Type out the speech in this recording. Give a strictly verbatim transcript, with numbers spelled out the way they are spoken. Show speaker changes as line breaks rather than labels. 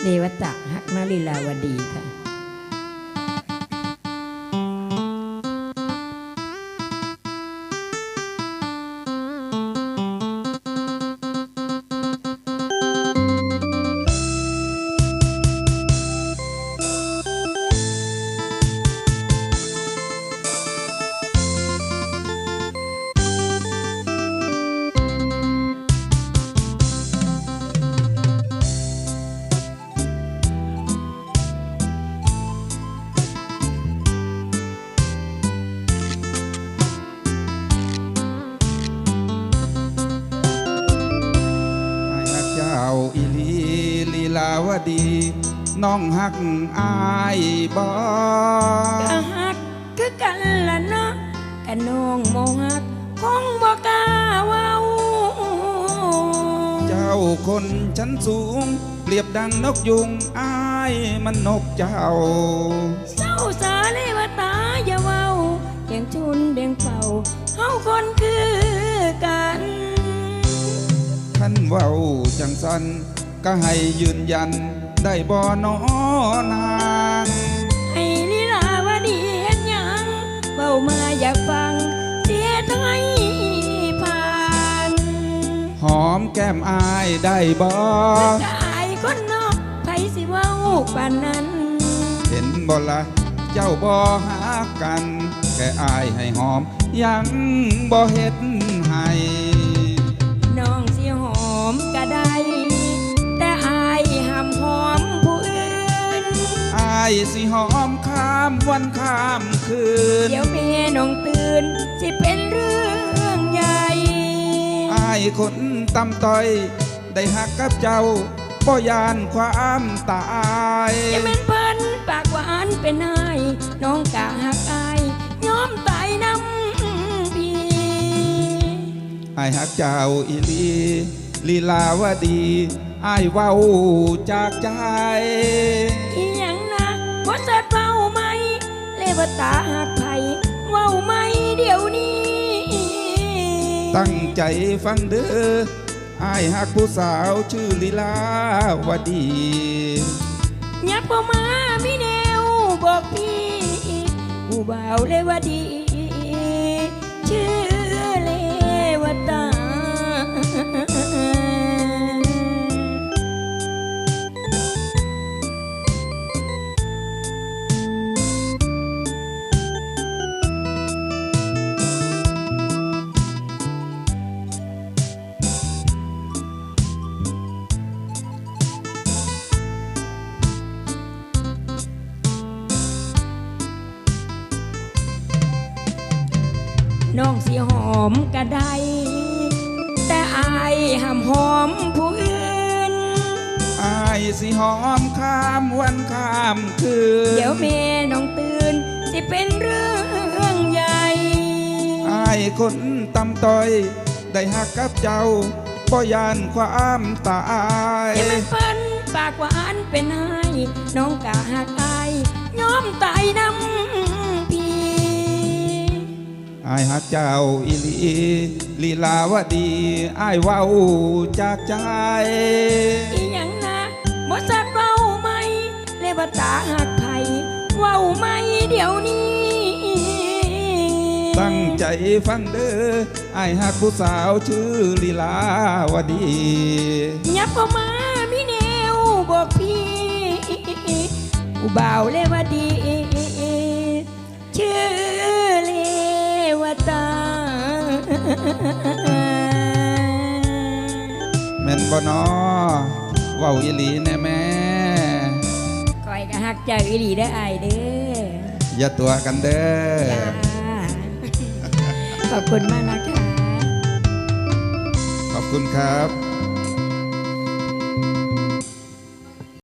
เรวตะฮักมาลีลาวดีค่ะ
อีลีลีลาวดีน้องฮักอายบ่
ก็ฮักคือกันละเนาะกะน้องโมฮักคงบ่กล้าเว้า
เจ้าคนชั้นสูงเปรียบดังนกยุงอายมันนกเจ้า
เศร้าสาเลวตาอย่าเว้าเบียงชุนเบียงเป่าเฮาคนคือกัน
ท่านเว้าจังสันก็ให้ยืนยันได้บ่นอนาง
ให้ลีลาวดีเฮ็ดหยังเว้ามาอยากฟังเสียท้ายผ่าน
หอมแก้มอายได้บ่
ก็อายคนนอกไผสิเว้าปานนั้น
เห็นบ่ละเจ้าบ่หากันแค่อายให้หอมยังบ่เฮ็ดให้
น้องสิหอมก็ได้แต่อายห้ามหอมผู้อื่น
อายสิหอมข้ามวันข้ามคืน
เดี๋ยวแม่น้องตื่นสิเป็นเรื่องใหญ่
อายคนตำต้อยได้หักกับเจ้าบ่ยานความตาย
จะแม่นเพิ่นปากหวานเป็นนายน้องกะหักอายยอมตายน้ำพี่
อายหักเจ้าอีลีลีลาวดีอายเว้าจากใจ
อีหยังนะบ่สัดเว้าไหมเลวตาหักไผเว้าไหมเดี๋ยวนี้
ตั้งใจฟังเด้ออายหักผู้สาวชื่อลีลาวดี
ยับเข้ามามีแนวบอกพี่ผู้บ่าวเลวดีชื่อเลวตาน้องสิหอมก็ได้แต่อายห้ามหอมผู้อื่น
อายสิหอมข้ามวันข้ามคืน
เดี๋ยวแม่น้องตื่นสิเป็นเรื่องใหญ่
อายคนตำต้อยได้หักกับเจ้าบ่ยานความตาย
อย่ามาเปิ้นปากหวานเป็นไห้น้องกะหักอายยอมตายน้ำ
อายหักเจ้าอีลีลีลาวดีอายเว้าจากใจ
อีหยังนะบ่สักเว้าไหมเลวตาหักไผเว้าไหมเดี๋ยวนี้
ตั้งใจฟังเด้ออายหักผู้สาวชื่อลีลาวดี
ยับเข้ามามีแนวบอกพี่ผู้บ่าวเลวดีชื่อ
แม่นบ่นอเว้าอีหลีแน่แม่
ก้อยก็ฮักเจ้าอีหลีได้อายเด้อ
อย่าตัวกันเด้อ
ขอบคุณมากนะคะ
ขอบคุณครับ